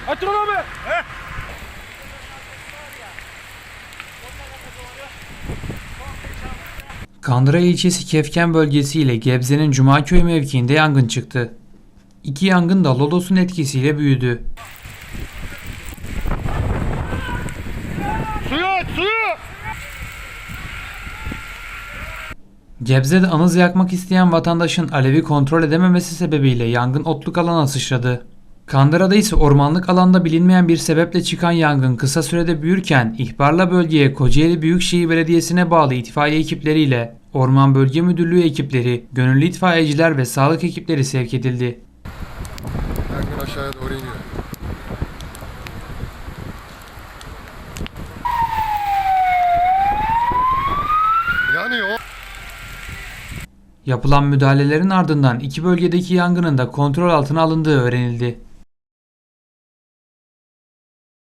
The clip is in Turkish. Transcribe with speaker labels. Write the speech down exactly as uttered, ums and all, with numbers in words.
Speaker 1: Atın abi. He.
Speaker 2: Kandıra ilçesi Kefken bölgesi ile Gebze'nin Cumaköy mevkiinde yangın çıktı. İki yangın da lodosun etkisiyle büyüdü.
Speaker 1: Suyu aç, suyu.
Speaker 2: Gebze'de anız yakmak isteyen vatandaşın alevi kontrol edememesi sebebiyle yangın otluk alana sıçradı. Kandıra'da ise ormanlık alanda bilinmeyen bir sebeple çıkan yangın kısa sürede büyürken ihbarla bölgeye Kocaeli Büyükşehir Belediyesi'ne bağlı itfaiye ekipleriyle Orman Bölge Müdürlüğü ekipleri, gönüllü itfaiyeciler ve sağlık ekipleri sevk edildi.
Speaker 3: Yangın aşağıya doğru iniyor. Yanıyor.
Speaker 2: Yapılan müdahalelerin ardından iki bölgedeki yangının da kontrol altına alındığı öğrenildi.